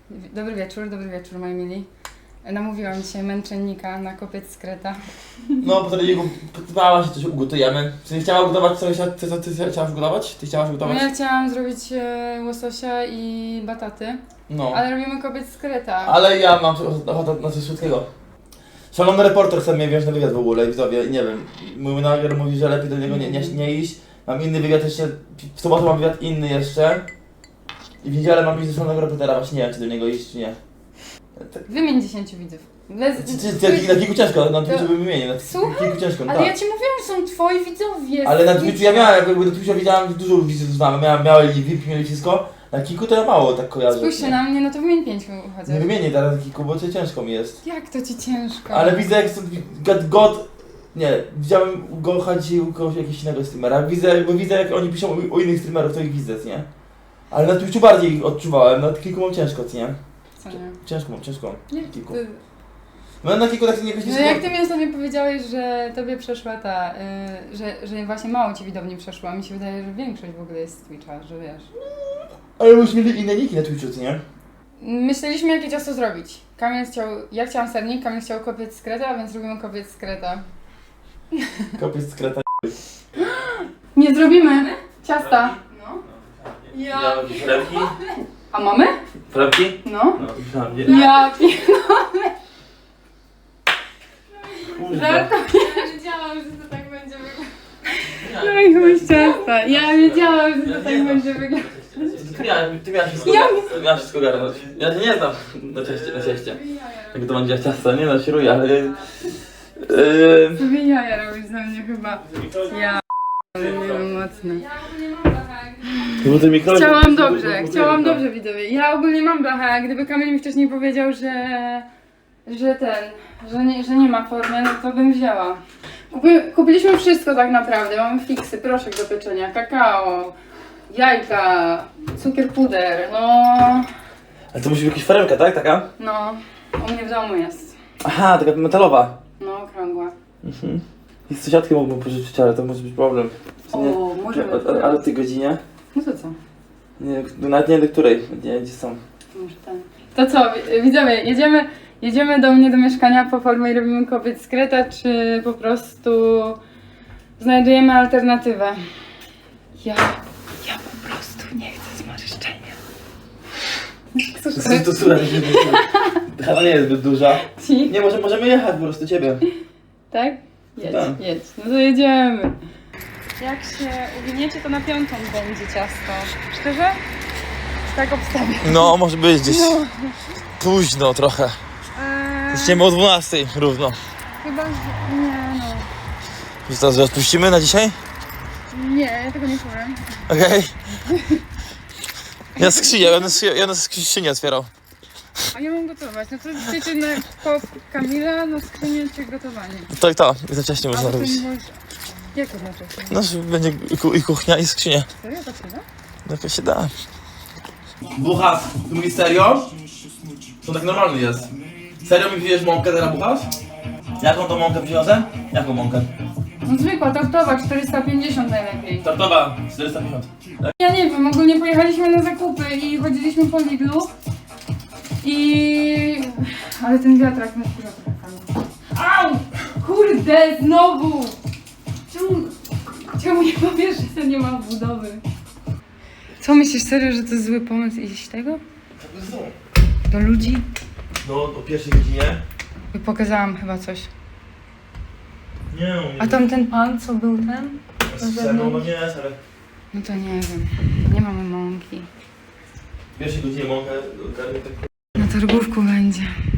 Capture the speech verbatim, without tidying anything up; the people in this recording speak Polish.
Dobry wieczór, dobry wieczór moi mili. Namówiłam dzisiaj męczennika na kopiec z kreta. No, po treningu pytała się, coś ugotujemy. Czy nie chciała ugotować coś, ty, ty, ty, ty chciałaś ugotować? Ty chciałaś No ugotować? ja chciałam zrobić e, łososia i bataty, No. ale robimy kopiec z kreta. Ale ja mam ochotę na coś słodkiego. Szalony reporter chce mnie wziąć na wywiad w ogóle, widzowie, i nie wiem. Mój menadżer mówi, że lepiej do niego nie, nie, nie iść. Mam inny wywiad jeszcze, w sobotę mam wywiad inny jeszcze. I w niedzielę mam iść do szalonego reportera, właśnie nie wiem, czy do niego iść, czy nie. Wymień dziesięciu widzów. Bez... Na kilku ciężko, na Twitchu bym wymienił, na Słuchaj, kilku ciężko, no Ale tak. ja ci mówiłam, że są twoi widzowie. Ale na Twitchu ja miałem, jakby na Twitchu widziałem dużo widzów znamy, miałem, miałem V I P, mieli wszystko. Na kilku to ja mało tak kojarzę. Spójrzcie na mnie, no to wymień pięciu chociaż. Nie wymienię teraz na kilku, bo to ciężko mi jest. Jak to ci ciężko? Ale widzę jak God, God nie, widziałem go chodzi u kogoś jakiegoś innego streamera. Widzę, bo widzę jak oni piszą u, u innych streamerów, to ich widzę, nie? Ale na Twitchu bardziej odczuwałem, na kilku mam ciężko, nie? Co nie? Ciężko mam, ciężko. Nie, Na kilku. ty... No na kilku tak nie jakoś nie No jak ty mi ostatnio powiedziałeś, że tobie przeszła ta, y, że, że właśnie mało ci widowni przeszło, a mi się wydaje, że większość w ogóle jest z Twitcha, że wiesz. Ale już mieli inne niki na Twitchu, co nie? Myśleliśmy jakie ciasto zrobić. Kamil chciał, ja chciałam sernik, Kamil chciał kopiec z kreta, więc robimy kopiec z kreta. Kopiec z kreta. Nie zrobimy ciasta. No. Ja mam jakieś chlebki. A mamy? Chlebki? No. No, myślałem, Ja pierdolę. Żartuję. Ja wiedziałam, że to tak będzie wyglądać. No i chuj z ciasta. Ja wiedziałam, że to tak będzie wyglądać. Ty miałaś, ty miałaś wszystko, Ja ty miałaś wszystko garnąć. Ja się nie znam na cieście, na cieście. Jak to będzie ciasto, nie no, świruję, ale... Yy... Sobie jaja robisz za mnie chyba. Ja ale nie wiem, mocne. Ja ogólnie mam blachę. Bo ty mikro... Chciałam dobrze, chciałam dobrze widzowie. Ja ogólnie mam blachę, a gdyby Kamil mi wcześniej powiedział, że... że ten, że nie, że nie ma formy, no to bym wzięła. Kupi, kupiliśmy wszystko tak naprawdę. Mamy fiksy, proszek do pieczenia, kakao, jajka, cukier puder, no... Ale to musi być jakaś foremka, tak? Taka? No, u mnie w domu jest. Aha, taka metalowa. No, okrągła. Mhm. I z sąsiadki mógłbym pożyczyć, ale to może być problem. Co nie? O, może A- być. a- Ale w tej godzinie? No to co? Nie, nawet nie wiem do której, nie gdzie są. Może ten. To co, wi- widzowie, jedziemy, jedziemy do mnie do mieszkania po formie i robimy kopiec z kreta, czy po prostu znajdujemy alternatywę? Ja, ja po prostu nie chcę zmarszczenia. To słuchaj, chyba nie jest zbyt duża. Ci? Nie, może możemy jechać po prostu ciebie. Tak? Jedź, Tak. jedź. No to jedziemy. Jak się uwiniecie, to na piątą będzie ciasto. Szczerze? Tak obstawiam. No, może być gdzieś No. późno trochę. Eee, Zaczniemy o dwunastej równo. chyba, że... Nie no. Już teraz rozpuścimy na dzisiaj? Nie, ja tego nie powiem. Okej. Ja skrzynię, ja będę skrzy- ja będę skrzynię otwierał. A ja mam gotować. No to chcecie na po Kamila na skrzynię czy gotowanie? Tak, to, za wcześnie A można to robić. może... Jak to znaczy? No, że będzie i ku- i kuchnia, i skrzynia. Serio to się da? No to się da. Buchas, ty mówisz serio? To tak normalny jest. Serio mi wziąłeś mąkę teraz, Buchas? Jaką to mąkę przyniosę? Jaką mąkę? No zwykła, tortowa, czterysta pięćdziesiąt najlepiej. Tortowa, czterysta pięćdziesiąt. Ja nie wiem, ogólnie pojechaliśmy na zakupy i chodziliśmy po Lidlu. I... Ale ten wiatrak mnie wkurza trochę. Au! Kurde, znowu! Czemu... Czemu nie powiesz, że to nie ma budowy? Co myślisz serio, że to jest zły pomysł iść tego? Do ludzi? No, o pierwszej godzinie. Pokazałam chyba coś. Nie no, A tam ten pan, co był ten? no, no nie, ale... No to nie wiem. Nie mamy mąki. W pierwszej godzinie mąkę ogarnę tak... Na targówku będzie.